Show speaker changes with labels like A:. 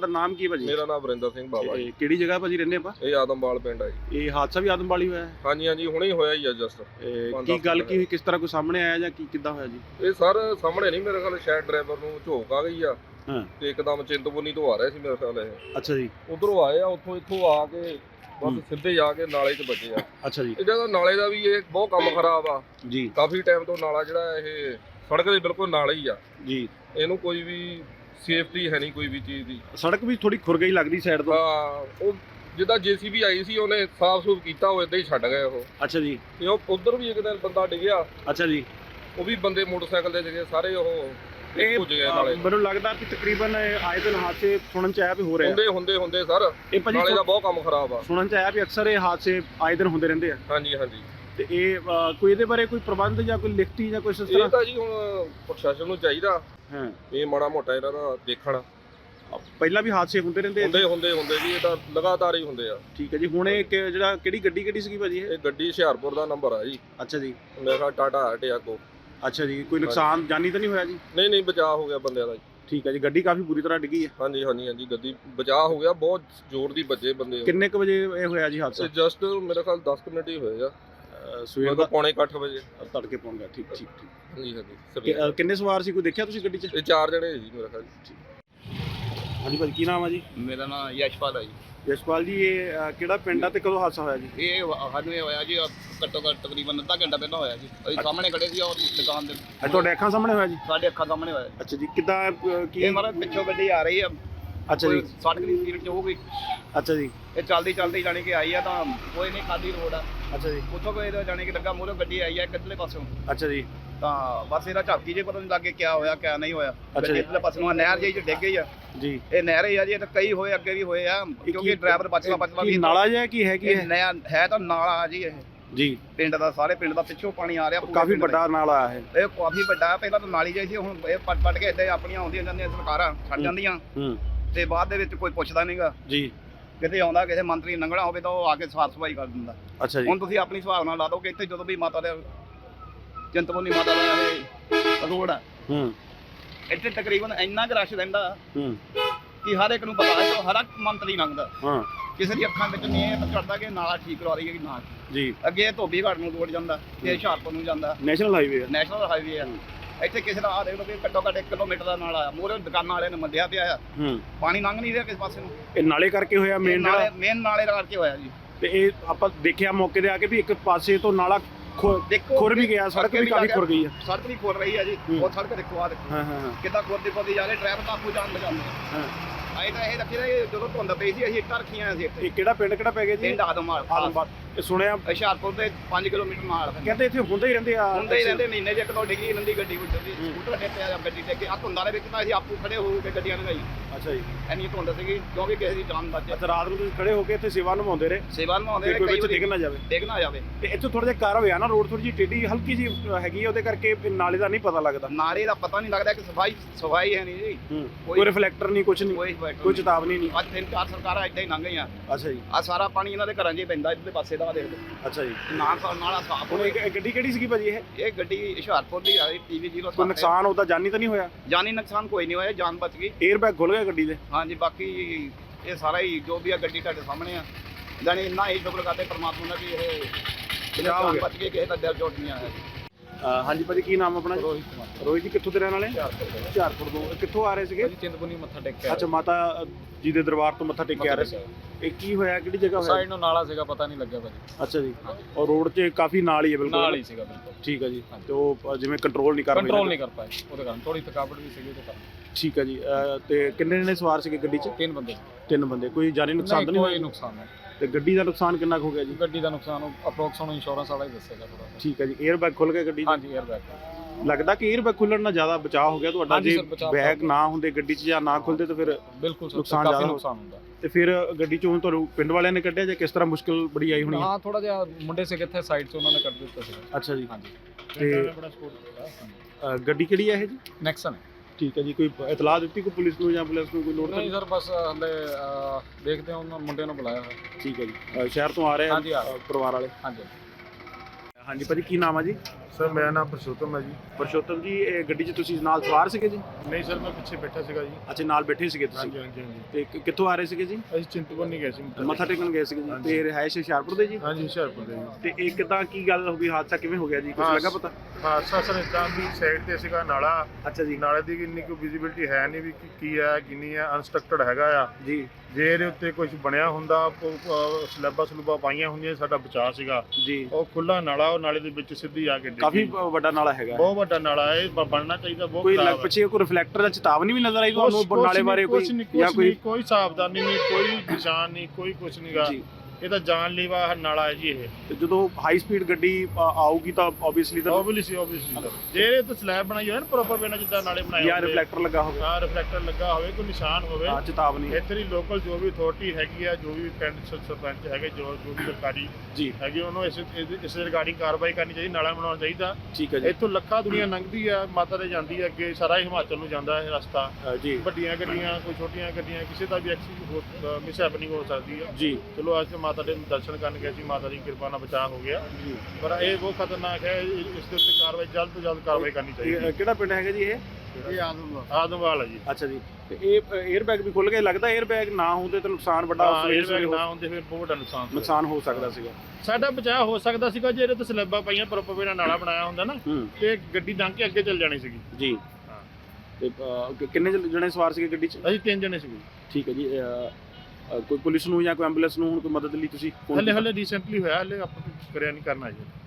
A: ਤੁਹਾਡਾ ਨਾਮ ਕੀ ਹੈ ਭਾਜੀ?
B: ਮੇਰਾ ਨਾਮ ਵਰਿੰਦਰ ਸਿੰਘ ਬਾਵਾ ਜੀ।
A: ਕਿਹੜੀ ਜਗ੍ਹਾ ਭਾਜੀ ਰਹਿੰਦੇ ਆਪਾਂ?
B: ਇਹ ਆਦਮਵਾਲ ਪਿੰਡ ਹੈ ਜੀ।
A: ਇਹ ਹਾਦਸਾ ਵੀ ਆਦਮਵਾਲ ਹੀ ਹੋਇਆ ਹੈ?
B: ਹਾਂਜੀ ਹਾਂਜੀ, ਹੁਣੇ ਹੀ ਹੋਇਆ ਹੀ ਆ ਜਸਟ।
A: ਕੀ ਗੱਲ ਕੀ ਹੋਈ, ਕਿਸ ਤਰ੍ਹਾਂ ਕੋਈ ਸਾਹਮਣੇ ਆਇਆ ਜਾਂ ਕਿੱਦਾਂ ਹੋਇਆ ਜੀ?
B: ਇਹ ਸਰ ਸਾਹਮਣੇ ਨਹੀਂ, ਮੇਰੇ ਖਿਆਲ ਸ਼ਾਇਦ ਡਰਾਈਵਰ ਨੂੰ ਝੋਕ ਆ ਗਈ ਆ
A: ਹਾਂ,
B: ਤੇ ਇੱਕਦਮ ਚਿੰਤਪੁਰਨੀ ਤੋਂ ਆ ਰਿਹਾ ਸੀ ਮੇਰੇ ਖਿਆਲ ਇਹ।
A: ਅੱਛਾ ਜੀ।
B: ਉਧਰੋਂ ਆਏ ਆ, ਇੱਥੋਂ ਆ ਕੇ ਬਸ ਸਿੱਧੇ ਜਾ ਕੇ ਨਾਲੇ 'ਚ ਵੱਜੇ ਆ।
A: ਅੱਛਾ ਜੀ।
B: ਇਹਦਾ ਨਾਲੇ ਦਾ ਵੀ ਇਹ ਬਹੁਤ ਕੰਮ ਖਰਾਬ ਆ
A: ਜੀ।
B: ਕਾਫੀ ਟਾਈਮ ਤੋਂ ਨਾਲਾ ਜਿਹੜਾ ਇਹ ਸੜਕ ਦੇ ਬਿਲਕੁਲ ਨਾਲ ਹੀ ਆ
A: ਜੀ।
B: ਇਹਨੂੰ ਕੋਈ ਵੀ ਸੇਫਟੀ ਹੈ ਨਹੀਂ ਕੋਈ ਵੀ ਚੀਜ਼ ਦੀ।
A: ਸੜਕ ਵੀ ਥੋੜੀ ਖੁਰ ਗਈ ਲੱਗਦੀ ਸਾਈਡ ਤੋਂ।
B: ਹਾਂ, ਉਹ ਜਿੱਦਾਂ ਜੀਸੀਬੀ ਆਈ ਸੀ ਉਹਨੇ ਸਾਫ਼ ਸੂਫ ਕੀਤਾ, ਉਹ ਇਦਾਂ ਹੀ ਛੱਡ ਗਏ ਉਹ।
A: ਅੱਛਾ ਜੀ।
B: ਤੇ ਉਹ ਉਧਰ ਵੀ ਇੱਕ ਦਿਨ ਬੰਦਾ ਡਿੱਗਿਆ।
A: ਅੱਛਾ ਜੀ।
B: ਉਹ ਵੀ ਬੰਦੇ ਮੋਟਰਸਾਈਕਲ ਦੇ ਸੀਗੇ ਸਾਰੇ, ਉਹ ਭੁੱਜ ਗਏ ਨਾਲੇ।
A: ਮੈਨੂੰ ਲੱਗਦਾ ਕਿ ਤਕਰੀਬਨ ਆਏ ਦਿਨ ਹਾਦਸੇ ਸੁਣਨ ਚ ਆਇਆ ਵੀ ਹੋ ਰਹੇ
B: ਹੁੰਦੇ ਸਰ।
A: ਇਹ ਭਾਜੀ
B: ਨਾਲੇ ਦਾ ਬਹੁਤ ਕੰਮ ਖਰਾਬ ਆ।
A: ਸੁਣਨ ਚ ਆਇਆ ਵੀ ਅਕਸਰ ਇਹ ਹਾਦਸੇ ਆਏ ਦਿਨ ਹੁੰਦੇ ਰਹਿੰਦੇ ਆ।
B: ਹਾਂਜੀ ਹਾਂਜੀ।
A: ਤੇ ਇਹ ਕੋਈ ਇਹਦੇ ਬਾਰੇ ਕੋਈ ਪ੍ਰਬੰਧ ਜਾਂ ਕੋਈ ਲਿਖਤੀ ਜਾਂ ਕੁਝ ਇਸ ਤਰ੍ਹਾਂ?
B: ਇਹ ਤਾਂ ਜੀ ਹੁਣ ਪ੍ਰਸ਼ਾਸਨ ਨੂੰ ਚਾਹੀਦਾ
A: ਹਾਂ,
B: ਇਹ ਮਾੜਾ ਮੋਟਾ ਇਹਨਾਂ ਦਾ ਦੇਖਣ।
A: ਪਹਿਲਾਂ ਵੀ ਹਾਦਸੇ ਹੁੰਦੇ ਰਹਿੰਦੇ
B: ਹੁੰਦੇ ਜੀ, ਇਹ ਤਾਂ ਲਗਾਤਾਰ ਹੀ ਹੁੰਦੇ ਆ।
A: ਠੀਕ ਹੈ ਜੀ। ਹੁਣ ਇਹ ਜਿਹੜਾ ਕਿਹੜੀ ਸੀਗੀ ਭਾਜੀ ਇਹ?
B: ਇਹ ਗੱਡੀ ਹੁਸ਼ਿਆਰਪੁਰ ਦਾ ਨੰਬਰ ਆ ਜੀ।
A: ਅੱਛਾ ਜੀ।
B: ਮੇਰਾ ਖਿਆਲ ਟਾਟਾ ਹਟਿਆਗੋ।
A: ਅੱਛਾ ਜੀ। ਕੋਈ ਨੁਕਸਾਨ ਜਾਨੀ ਤਾਂ ਨਹੀਂ ਹੋਇਆ ਜੀ?
B: ਨਹੀਂ, ਬਚਾਅ ਹੋ ਗਿਆ ਬੰਦਿਆਂ ਦਾ ਜੀ।
A: ਠੀਕ ਹੈ ਜੀ। ਗੱਡੀ ਕਾਫੀ ਬੁਰੀ ਤਰ੍ਹਾਂ ਡਿੱਗੀ ਹੈ?
B: ਹਾਂਜੀ, ਗੱਡੀ ਬਚਾਅ ਹੋ ਗਿਆ, ਬਹੁਤ ਜ਼ੋਰ ਦੀ ਵੱਜੇ ਬੰਦੇ।
A: ਕਿੰਨੇ ਕੁ ਵਜੇ ਇਹ ਹੋਇਆ ਜੀ ਹਾਦਸਾ?
B: ਜਸਟ ਮੇਰੇ ਖਿਆਲ 10 ਮਿੰਟ ਹੀ ਹੋਏ ਆ,
A: ਸਵੇਰ ਦਾ
B: ਪੌਣੇ 8 ਵਜੇ
A: ਤੜਕੇ ਪਹੁੰਚ ਗਿਆ। ਠੀਕ।
B: ਹਾਂਜੀ।
A: ਕਿੰਨੇ ਸਵਾਰ ਸੀ, ਕੋਈ ਦੇਖਿਆ ਤੁਸੀਂ ਗੱਡੀ 'ਚ?
B: ਇਹ 4 ਜਣੇ ਜੀ ਮੇਰੇ ਖਿਆਲ।
A: ਹਾਂਜੀ ਭਾਜੀ, ਕੀ ਨਾਮ ਆ ਜੀ?
C: ਮੇਰਾ ਨਾਮ ਯਸ਼ਪਾਲ ਹੈ ਜੀ।
A: ਯਸ਼ਪਾਲ ਜੀ, ਇਹ ਕਿਹੜਾ ਪਿੰਡ ਆ ਤੇ ਕਦੋਂ ਹਾਦਸਾ ਹੋਇਆ ਜੀ?
C: ਇਹ ਸਾਨੂੰ ਇਹ ਹੋਇਆ ਜੀ ਘੱਟੋ ਘੱਟ ਤਕਰੀਬਨ ਅੱਧਾ ਘੰਟਾ ਪਹਿਲਾਂ ਹੋਇਆ ਜੀ। ਅਸੀਂ ਸਾਹਮਣੇ ਖੜੇ ਸੀ ਔਰ ਦੁਕਾਨ ਦੇ
A: ਤੁਹਾਡੇ ਅੱਖਾਂ ਸਾਹਮਣੇ ਹੋਇਆ ਜੀ?
C: ਸਾਡੇ ਅੱਖਾਂ ਸਾਹਮਣੇ ਹੋਇਆ।
A: ਅੱਛਾ ਜੀ। ਕਿੱਦਾਂ ਕੀ?
C: ਇਹ ਮਾਰਾ ਪਿੱਛੋਂ ਗੱਡੀ ਆ ਰਹੀ ਆ।
A: ਅੱਛਾ ਜੀ।
C: 60 ਦੀ ਸਪੀਡ 'ਚ ਹੋਊਗੀ।
A: ਅੱਛਾ ਜੀ।
C: ਇਹ ਚੱਲਦੀ ਜਾਣੀ ਕਿ ਆਈ ਆ ਤਾਂ ਕੋਈ ਨਹੀਂ, ਖਾਦੀ ਰੋਡ ਆ।
A: ਅੱਛਾ ਜੀ।
C: ਉੱਥੋਂ ਕੋਈ ਜਾਣੀ ਕਿ ਲੱਗਾ ਮੂਹਰੇ ਗੱਡੀ ਆਈ ਆ ਕਿੱਧਰਲੇ ਪਾਸੋਂ।
A: ਅੱਛਾ ਜੀ।
C: ਤਾਂ ਬਸ ਇਹਦਾ ਝਾਕੀ ਜੇ ਪਤਾ ਨਹੀਂ ਲੱਗੇ ਕਿਆ ਹੋਇਆ ਕਿਆ ਨਹੀਂ ਹੋਇਆ।
A: ਅੱਛਾ ਜੀ।
C: ਇੱਧਰਲੇ ਪਾਸੋਂ ਨਹਿਰ ਜਿਹੀ 'ਚ ਡਿੱਗ ਗਈ ਆ
A: ਜੀ।
C: ਇਹ ਨਹਿਰ ਹੀ ਆ ਜੀ। ਇਹ ਤਾਂ ਕਈ ਹੋਏ, ਅੱਗੇ ਵੀ ਹੋਏ ਆ, ਕਿਉਂਕਿ ਡਰਾਈਵਰ ਬਚਵਾ
A: ਵੀ ਨਾਲਾ ਜਿਹਾ ਕੀ ਹੈ? ਕੀ
C: ਇਹ ਨਹਿਰ ਹੈ ਤਾਂ ਨਾਲਾ ਜੀ। ਇਹ
A: ਜੀ
C: ਪਿੰਡ ਦਾ, ਸਾਰੇ ਪਿੰਡ ਦਾ ਪਿੱਛੋਂ ਪਾਣੀ ਆ ਰਿਹਾ।
A: ਕਾਫੀ ਵੱਡਾ ਨਾਲਾ ਹੈ
C: ਇਹ ਕਾਫੀ ਵੱਡਾ। ਪਹਿਲਾਂ ਤਾਂ ਨਾਲੀ ਜਿਹੀ ਸੀ, ਹੁਣ ਇਹ ਪੱਟ ਕੇ ਇੱਦਾਂ ਆਪਣੀਆਂ ਆਉਂਦੀਆਂ ਜਾਂਦੀਆਂ ਸਰਕਾਰਾਂ ਛੱਡ ਜਾਂਦੀਆਂ ਤੇ ਬਾਅਦ ਦੇ ਵਿੱਚ ਕੋਈ ਪੁੱਛਦਾ ਨਹੀਂਗਾ ਜੀ। ਕਿਤੇ ਆਉਂਦਾ ਕਿਸੇ ਮੰਤਰੀ ਲੰਘਣਾ ਹੋਵੇ ਤਾਂ ਉਹ ਆ ਕੇ ਸਾਫ਼ ਸਫਾਈ ਕਰ ਦਿੰਦਾ।
A: ਅੱਛਾ ਜੀ।
C: ਹੁਣ ਤੁਸੀਂ ਆਪਣੀ ਹਿਸਾਬ ਨਾਲ ਲਾ ਦਿਓ ਕਿ ਇੱਥੇ ਜਦੋਂ ਵੀ ਮਾਤਾ ਦੇ ਚਿੰਤਪੁਰਨੀ ਮਾਤਾ ਦਾ ਇਹ ਰੋਡ ਆ, ਇੱਥੇ ਤਕਰੀਬਨ ਇੰਨਾ ਕੁ ਰਸ਼ ਰਹਿੰਦਾ ਕਿ ਹਰ ਇੱਕ ਨੂੰ ਪਤਾ ਹੈ, ਹਰ ਇੱਕ ਮੰਤਰੀ ਲੰਘਦਾ। ਕਿਸੇ ਦੀ ਅੱਖਾਂ ਵਿੱਚ ਨਹੀਂ ਇਹ ਪਤਾ ਕਰਦਾ ਕਿ ਨਾਲਾ ਠੀਕ ਕਰਵਾ ਰਹੀ ਹੈ ਕਿ ਨਾ ਜੀ। ਅੱਗੇ ਧੋਬੀਘਾਟ ਨੂੰ ਰੋਡ ਜਾਂਦਾ ਤੇ ਹੁਸ਼ਿਆਰਪੁਰ ਨੂੰ ਜਾਂਦਾ,
A: ਨੈਸ਼ਨਲ ਹਾਈਵੇ
C: ਆ। ਇੱਥੇ ਕਿਸੇ ਦਾ ਆ ਦੇਖ ਲਓ ਕਿ ਘੱਟੋ ਘੱਟ 1 ਕਿਲੋਮੀਟਰ ਦਾ ਨਾਲਾ ਆ। ਮੂਹਰੇ ਦੁਕਾਨਾਂ ਵਾਲਿਆਂ ਨੇ ਮੰਦਿਆ ਪਿਆ ਆ, ਪਾਣੀ ਲੰਘ ਨਹੀਂ ਰਿਹਾ ਕਿਸੇ ਪਾਸੇ ਨੂੰ।
A: ਇਹ ਨਾਲੇ ਕਰਕੇ ਹੋਇਆ? ਮੇਨ
C: ਨਾਲੇ ਕਰਕੇ ਹੋਇਆ ਜੀ।
A: ਤੇ ਇਹ ਆਪਾਂ ਦੇਖਿਆ ਮੌਕੇ ਤੇ ਆ ਕੇ ਵੀ ਇੱਕ ਪਾਸੇ ਤੋਂ ਨਾਲਾ ਖੁਰ ਵੀ ਗਿਆ, ਸੜਕ ਵੀ ਕਾਫੀ ਖੁਰ ਗਈ ਹੈ।
C: ਸੜਕ ਵੀ ਖੁਰ ਰਹੀ ਹੈ ਜੀ। ਉਹ ਸੜਕ ਦੇਖੋ, ਆ ਦੇਖੋ ਕਿੱਦਾਂ ਖੁਰਦੀ ਜਾ ਰਹੀ। ਡਰਾਈਵਰ ਤਾਂ ਆਪੂ ਜਾਨ ਬਚਾਉਂਦੇ। ਆਏ ਤਾਂ ਇਹ ਰੱਖੀ ਰਹੇ ਜਦੋਂ ਧੁੰਦ ਪਈ ਸੀ, ਅਸੀਂ ਇੱਟਾਂ ਰੱਖੀਆਂ ਸੀ ਇੱਥੇ।
A: ਇਹ ਕਿਹੜਾ ਪਿੰਡ ਪੈ ਗਿਆ ਜੀ?
C: ਪਿੰਡ ਆਦਮਵਾਲ।
A: ਇਹ ਸੁਣਿਆ
C: ਹੁਸ਼ਿਆਰਪੁਰ ਦੇ 5 ਕਿਲੋਮੀਟਰ ਨਾਲ
A: ਕਹਿੰਦੇ ਇੱਥੇ ਹੁੰਦੇ ਹੀ ਰਹਿੰਦੇ ਆ।
C: ਮਹੀਨੇ 'ਚ ਇੱਕ ਦੋ ਡਿੱਗੀ ਰਹਿੰਦੀ ਗੱਡੀ ਵਿੱਚ। ਸਕੂਟਰ ਟੇਪਿਆ ਜਾਂ ਗੱਡੀ ਟੇਕੇ ਆ ਧੁੰਦਾਂ ਦੇ ਵਿੱਚ ਤਾਂ ਅਸੀਂ ਆਪੂ ਖੜੇ ਹੋ ਕੇ ਗੱਡੀਆਂ ਲਗਾਈ।
A: ਅੱਛਾ ਜੀ।
C: ਇੰਨੀ ਧੁੰਦ ਸੀਗੀ ਕਿਉਂਕਿ ਕਿਸੇ ਦੀ ਜਾਨ ਬਚ ਜਾਏ।
A: ਰਾਤ ਨੂੰ ਤੁਸੀਂ ਖੜੇ ਹੋ ਕੇ ਇੱਥੇ ਸੇਵਾ ਨਿਭਾਉਂਦੇ ਰਹੇ?
C: ਸੇਵਾ ਨਿਭਾਉਂਦੇ
A: ਕੋਈ ਵਿੱਚ ਡਿੱਗ ਨਾ ਜਾਵੇ।
C: ਤੇ
A: ਇੱਥੇ ਥੋੜਾ ਜਿਹਾ ਕਰ ਹੋਇਆ ਨਾ, ਰੋਡ ਥੋੜੀ ਜਿਹੀ ਟੇਢੀ ਹਲਕੀ ਜੀ ਹੈਗੀ, ਉਹਦੇ ਕਰਕੇ ਨਾਲੇ ਦਾ ਨਹੀਂ ਪਤਾ ਲੱਗਦਾ।
C: ਨਾਲੇ ਦਾ ਪਤਾ ਨਹੀਂ ਲੱਗਦਾ ਕਿ ਸਫਾਈ ਹੈ ਨਹੀਂ ਜੀ।
A: ਕੋਈ ਰਿਫਲੈਕਟਰ ਨਹੀਂ, ਕੁਝ ਨਹੀਂ, ਕੋਈ ਚੇਤਾਵਨੀ ਨਹੀਂ।
C: ਅੱਜ 3-4 ਸਰਕਾਰਾਂ ਏਦਾਂ ਹੀ ਲੰਘ ਗਈਆਂ।
A: ਅੱਛਾ ਜੀ।
C: ਆ ਸਾਰਾ ਪਾਣੀ ਇਹਨਾਂ ਦੇ ਘਰਾਂ 'ਚ ਹੀ ਪੈਂਦਾ, ਇੱਧਰਲੇ ਪਾਸੇ ਦਾ ਦੇਖ ਲਓ।
A: ਅੱਛਾ ਜੀ।
C: ਨਾਲਾ ਸਾਫ਼
A: ਹੁਣ ਇਹ ਗੱਡੀ ਕਿਹੜੀ ਸੀਗੀ ਭਾਜੀ?
C: ਇਹ ਗੱਡੀ ਹੁਸ਼ਿਆਰਪੁਰ ਦੀ ਆਈ TV07।
A: ਕੋਈ ਨੁਕਸਾਨ ਉਹਦਾ ਜਾਨੀ ਤਾਂ ਨਹੀਂ ਹੋਇਆ?
C: ਜਾਨੀ ਨੁਕਸਾਨ ਕੋਈ ਨਹੀਂ ਹੋਇਆ, ਜਾਨ ਬਚ ਗਈ।
A: 에ਅਰ ਬੈਗ ਖੁੱਲ ਗਿਆ ਗੱਡੀ ਦੇ? ਹਾਂਜੀ।
C: ਬਾਕੀ ਇਹ ਸਾਰਾ ਹੀ ਜੋ ਵੀ ਆ ਗੱਡੀ ਤੁਹਾਡੇ ਸਾਹਮਣੇ ਆ। ਜਾਨੀ ਇੰਨਾ ਹੀ ਸ਼ੁਕਰ ਕਰਦੇ ਪਰਮਾਤਮਾ ਦਾ ਵੀ ਇਹ ਜਾਨ ਬਚ ਗਈ, ਕਿਸੇ ਦਾ ਦਿਲ ਚੋਟ ਨਹੀਂ ਆਇਆ।
A: ਹਾਂਜੀ ਭਾਜੀ, ਕੀ ਨਾਮ ਆਪਣਾ?
C: ਰੋਹਿਤ ਕੁਮਾਰ।
A: ਰੋਹਿਤ ਜੀ, ਕਿੱਥੋਂ ਦੇ ਰਹਿਣ ਵਾਲੇ? ਹੁਸ਼ਿਆਰਪੁਰ ਤੋਂ। ਕਿੱਥੋਂ ਆ ਰਹੇ ਸੀਗੇ?
C: ਚਿੰਤਪੁਰਨੀ ਮੱਥਾ ਟੇਕ ਕੇ।
A: ਅੱਛਾ, ਮਾਤਾ ਜੀ ਦੇ ਦਰਬਾਰ ਤੋਂ ਮੱਥਾ ਟੇਕ ਕੇ ਆ ਰਹੇ ਸੀ। ਇਹ ਕੀ ਹੋਇਆ, ਕਿਹੜੀ ਜਗ੍ਹਾ ਹੋਇਆ?
C: ਸਾਈਡ ਨੂੰ ਨਾਲਾ ਸੀਗਾ, ਪਤਾ ਨਹੀਂ ਲੱਗਿਆ ਭਾਜੀ।
A: ਅੱਛਾ ਜੀ। ਔਰ ਰੋਡ 'ਚ ਕਾਫੀ ਨਾਲ ਹੀ ਹੈ? ਬਿਲਕੁਲ
C: ਨਾਲ ਹੀ ਸੀਗਾ ਬਿਲਕੁਲ।
A: ਠੀਕ ਹੈ ਜੀ। ਤੇ ਉਹ ਜਿਵੇਂ ਕੰਟਰੋਲ ਨਹੀਂ ਕਰ
C: ਪਾਏ, ਉਹਦੇ ਕਾਰਨ ਥੋੜੀ ਥਕਾਵਟ ਵੀ ਸੀਗੀ ਉਹਦੇ ਕਾਰਨ।
A: ਠੀਕ ਹੈ ਜੀ। ਤੇ ਕਿੰਨੇ ਜਣੇ ਸਵਾਰ ਸੀਗੇ ਗੱਡੀ 'ਚ?
C: 3 ਬੰਦੇ।
A: 3 ਬੰਦੇ। ਕੋਈ ਜਾਨੀ ਨੁਕਸਾਨ ਤਾਂ ਨਹੀਂ ਹੋਇਆ?
C: ਕੋਈ ਨੁਕਸਾਨ ਨਹੀਂ।
A: ਤੇ ਗੱਡੀ ਦਾ ਨੁਕਸਾਨ ਕਿੰਨਾ ਕੁ ਹੋ ਗਿਆ ਜੀ?
C: ਗੱਡੀ ਦਾ ਨੁਕਸਾਨ ਅਪਰੋਕਸ ਨੂੰ ਇੰਸ਼ੋਰੈਂਸ ਵਾਲਾ ਹੀ ਦੱਸੇਗਾ ਥੋੜਾ।
A: ਠੀਕ ਹੈ ਜੀ। 에ਅਰ ਬੈਗ ਖੁੱਲ ਗਿਆ ਗੱਡੀ 'ਚ?
C: ਹਾਂਜੀ, 에ਅਰ ਬੈਗ।
A: ਲੱਗਦਾ ਕਿ 에ਅਰ ਬੈਗ ਖੁੱਲਣ ਨਾਲ ਜ਼ਿਆਦਾ ਬਚਾਅ ਹੋ ਗਿਆ ਤੁਹਾਡਾ? ਜੇ ਬੈਗ ਨਾ ਹੁੰਦੇ ਗੱਡੀ 'ਚ ਜਾਂ ਨਾ ਖੁੱਲਦੇ ਤਾਂ ਫਿਰ
C: ਬਿਲਕੁਲ
A: ਨੁਕਸਾਨ ਜ਼ਿਆਦਾ
C: ਹੁੰਦਾ।
A: ਤੇ ਫਿਰ ਗੱਡੀ 'ਚੋਂ ਤੁਹਾਨੂੰ ਪਿੰਡ ਵਾਲਿਆਂ ਨੇ ਕੱਢਿਆ ਜਾਂ ਕਿਸ ਤਰ੍ਹਾਂ ਮੁਸ਼ਕਿਲ ਬੜੀ ਆਈ ਹੋਣੀ?
C: ਹਾਂ, ਥੋੜਾ ਜਿਹਾ ਮੁੰਡੇ ਸੀ ਕਿੱਥੇ ਸਾਈਡ 'ਚ, ਉਹਨਾਂ ਨੇ ਕੱਢ ਦਿੱਤਾ ਸੀ।
A: ਅੱਛਾ ਜੀ।
C: ਹਾਂਜੀ।
A: ਤੇ ਗੱਡੀ ਕਿਹੜੀ ਹੈ ਇਹ ਜੀ?
C: ਨੈਕਸਨ।
A: ਠੀਕ ਹੈ ਜੀ। ਕੋਈ ਇਤਲਾਹ ਦਿੱਤੀ ਕੋਈ ਪੁਲਿਸ ਨੂੰ ਜਾਂ ਪੁਲਿਸ ਨੂੰ ਕੋਈ ਨੋਟ?
C: ਨਹੀਂ ਸਰ, ਬਸ ਹਲੇ ਦੇਖਦੇ ਹਾਂ, ਉਹਨਾਂ ਮੁੰਡੇ ਨੂੰ ਬੁਲਾਇਆ ਹੋਇਆ।
A: ਠੀਕ ਹੈ ਜੀ। ਸ਼ਹਿਰ ਤੋਂ ਆ ਰਹੇ ਆ ਪਰਿਵਾਰ ਵਾਲੇ?
C: ਹਾਂਜੀ।
A: ਹਾਂਜੀ ਭਾਜੀ ਕੀ ਨਾਮ ਆ ਜੀ?
D: ਸਰ ਮੇਰਾ ਨਾਮ ਪਰਸ਼ੋਤਮ ਹੈ ਜੀ।
A: ਪਰਸ਼ੋਤਮ ਜੀ ਇਹ ਗੱਡੀ 'ਚ ਤੁਸੀਂ ਨਾਲ ਸਵਾਰ ਸੀਗੇ ਜੀ?
D: ਨਹੀਂ ਸਰ, ਮੈਂ ਪਿੱਛੇ ਬੈਠਾ ਸੀਗਾ ਜੀ।
A: ਅੱਛਾ ਨਾਲ ਬੈਠੇ ਸੀਗੇ ਤੁਸੀਂ?
D: ਹਾਂਜੀ ਹਾਂਜੀ ਹਾਂਜੀ।
A: ਤੇ ਕਿੱਥੋਂ ਆ ਰਹੇ ਸੀਗੇ ਜੀ?
D: ਅਸੀਂ ਚਿੰਤਪੁਰਨੀ ਗਏ ਸੀ
A: ਮੱਥਾ ਟੇਕਣ ਗਏ ਸੀਗੇ ਜੀ।
D: ਹਾਂਜੀ।
A: ਤੇ ਰਿਹਾਇਸ਼ ਹੁਸ਼ਿਆਰਪੁਰ ਦੇ ਜੀ?
D: ਹਾਂਜੀ, ਹੁਸ਼ਿਆਰਪੁਰ ਦੇ ਜੀ।
A: ਤੇ ਇਹ ਕਿੱਦਾਂ ਕੀ ਗੱਲ ਹੋ ਗਈ, ਹਾਦਸਾ ਕਿਵੇਂ ਹੋ ਗਿਆ ਜੀ, ਕੁਝ ਲੱਗਾ ਪਤਾ?
D: ਹਾਦਸਾ ਸਰ ਇੱਦਾਂ ਵੀ ਸਾਈਡ ਤੇ ਸੀਗਾ ਨਾਲਾ।
A: ਅੱਛਾ ਜੀ।
D: ਨਾਲੇ ਦੀ ਇੰਨੀ ਕੋਈ ਵਿਜ਼ਿਬਿਲਟੀ ਹੈ ਨਹੀਂ ਵੀ ਕੀ ਹੈ ਕੀ ਨਹੀਂ ਹੈ, ਅਨਸਟਰਕਟਡ ਹੈਗਾ ਆ
A: ਜੀ
D: ਜੇ ਇਹਦੇ ਉੱਤੇ ਕੁਝ ਬਣਿਆ ਹੁੰਦਾ, ਸਲੈਬਾਂ ਪਾਈਆਂ ਹੁੰਦੀਆਂ, ਸਾਡਾ ਬਚਾਅ ਸੀਗਾ
A: ਜੀ।
D: ਉਹ ਖੁੱਲਾ ਨਾਲਾ, ਉਹ ਨਾਲੇ ਦੇ ਵਿੱਚ ਸਿੱਧੀ ਆ ਕੇ ਡਿੱਗੀ।
A: ਕਾਫੀ ਵੱਡਾ ਨਾਲਾ ਹੈਗਾ।
D: ਬਹੁਤ ਵੱਡਾ ਨਾਲਾ ਹੈ, ਇਹ ਬਣਨਾ ਚਾਹੀਦਾ। ਬਹੁਤ
A: ਕੋਈ
D: ਖਰਾਬ ਹੈ।
A: ਪਿੱਛੇ ਕੋਈ ਰਿਫਲੈਕਟਰ ਦਾ ਚੇਤਾਵਨੀ ਵੀ ਨਜ਼ਰ ਆਈ ਤੁਹਾਨੂੰ ਨਾਲੇ ਬਾਰੇ?
D: ਕੋਈ ਸਾਵਧਾਨੀ ਨਹੀਂ, ਕੋਈ ਨਿਸ਼ਾਨ ਨਹੀਂ, ਕੋਈ ਕੁਝ ਨਹੀਂਗਾ।
A: ਜੀ।
D: ਇਹ ਤਾਂ ਜਾਨਲੇਵਾ ਨਾਲਾ ਹੈ ਜੀ ਇਹ।
A: ਤੇ ਜਦੋਂ ਹਾਈ ਸਪੀਡ ਗੱਡੀ ਆਊਗੀ ਤਾਂ ਆਬਵੀਅਸਲੀ ਤਾਂ
D: ਓਬਵੀਅਸਲੀ ਜੇ ਇਹ ਤਾਂ ਸਲੈਬ ਬਣਾਈ ਹੋਵੇ ਨਾ ਪ੍ਰੋਪਰ ਵੇ ਨਾਲ, ਜਿੱਦਾਂ ਨਾਲੇ ਬਣਾਏ
A: ਜਾਂ ਰਿਫਲੈਕਟਰ ਲੱਗਾ ਹੋਵੇ।
D: ਹਾਂ, ਰਿਫਲੈਕਟਰ ਲੱਗਾ ਹੋਵੇ, ਕੋਈ ਨਿਸ਼ਾਨ ਹੋਵੇ,
A: ਚੇਤਾਵਨੀ।
D: ਇੱਥੇ ਦੀ ਲੋਕਲ ਜੋ ਵੀ ਅਥਾਰਟੀ ਹੈਗੀ ਆ, ਜੋ ਵੀ ਪਿੰਡ ਸਰਪੰਚ ਹੈਗੇ, ਜੋ ਵੀ ਸਰਕਾਰੀ
A: ਜੀ
D: ਹੈਗੇ, ਉਹਨੂੰ ਇਸ ਰਿਗਾਰਡਿੰਗ ਕਾਰਵਾਈ ਕਰਨੀ ਚਾਹੀਦੀ, ਨਾਲਾ ਬਣਾਉਣਾ ਚਾਹੀਦਾ।
A: ਠੀਕ ਹੈ ਜੀ।
D: ਇੱਥੋਂ ਲੱਖਾਂ ਦੁਨੀਆ ਲੰਘਦੀ ਆ, ਮਾਤਾ ਦੇ ਜਾਂਦੀ ਹੈ ਅੱਗੇ, ਸਾਰਾ ਹੀ ਹਿਮਾਚਲ ਨੂੰ ਜਾਂਦਾ ਹੈ ਰਸਤਾ।
A: ਜੀ।
D: ਵੱਡੀਆਂ ਗੱਡੀਆਂ, ਕੋਈ ਛੋਟੀਆਂ ਗੱਡੀਆਂ, ਕਿਸੇ ਦਾ ਵੀ ਮਿਸ ਹੈਪਨਿੰਗ ਹੋ ਸਕਦੀ ਆ
A: ਜੀ।
D: ਚਲੋ ਅੱਜ ਮਾਤਾ ਦੇ ਦਰਸ਼ਨ ਕਰਨ ਗਏ ਸੀ, ਮਾਤਾ ਦੀ ਕਿਰਪਾ ਨਾਲ ਬਚਾਅ ਹੋ ਗਿਆ। ਪਰ ਇਹ ਬਹੁਤ ਖਤਰਨਾਕ ਹੈ, ਇਸ ਦੇ ਉੱਤੇ ਕਾਰਵਾਈ ਜਲਦ ਤੋਂ ਜਲਦ ਕਾਰਵਾਈ ਕਰਨੀ ਚਾਹੀਦੀ ਹੈ।
A: ਕਿਹੜਾ ਪਿੰਡ ਹੈਗਾ ਜੀ ਇਹ?
D: ਇਹ ਆਦਮਵਾਲ ਹੈ ਜੀ।
A: ਅੱਛਾ ਜੀ। ਤੇ ਇਹ 에ਅਰ ਬੈਗ ਵੀ ਖੁੱਲ ਗਏ, ਲੱਗਦਾ 에ਅਰ ਬੈਗ ਨਾ ਹੁੰਦੇ ਤਾਂ ਨੁਕਸਾਨ ਵੱਡਾ
D: ਨਾ ਹੁੰਦੇ ਫਿਰ ਬਹੁਤ ਵੱਡਾ
A: ਨੁਕਸਾਨ ਹੋ ਸਕਦਾ ਸੀਗਾ।
D: ਸਾਡਾ ਬਚਾਅ ਹੋ ਸਕਦਾ ਸੀਗਾ ਜੇ ਇਹਦੇ ਤੇ ਸਲੈਬਾਂ ਪਾਈਆਂ, ਪ੍ਰੋਪਰ ਵੇ ਨਾਲ ਨਾਲਾ ਬਣਾਇਆ ਹੁੰਦਾ ਨਾ, ਤੇ ਗੱਡੀ ਲੰਘ ਕੇ ਅੱਗੇ ਚੱਲ ਜਾਣੀ ਸੀਗੀ
A: ਜੀ। ਤੇ ਕਿੰਨੇ ਜਣੇ ਸਵਾਰ ਸੀਗੇ ਗੱਡੀ 'ਚ?
D: ਅਸੀਂ 3 ਜਣੇ ਸੀਗੇ।
A: ਠੀਕ ਹੈ ਜੀ। ਕੋਈ ਪੁਲਿਸ ਨੂੰ ਜਾਂ ਕੋਈ ਐਂਬੂਲੈਂਸ ਨੂੰ ਹੁਣ ਕੋਈ ਮਦਦ ਲਈ ਤੁਸੀਂ
D: ਹਲੇ ਰੀਸੈਂਟਲੀ ਹੋਇਆ, ਹਲੇ ਆਪਾਂ ਕਰਿਆ ਨਹੀਂ ਕਰਨਾ ਜੀ।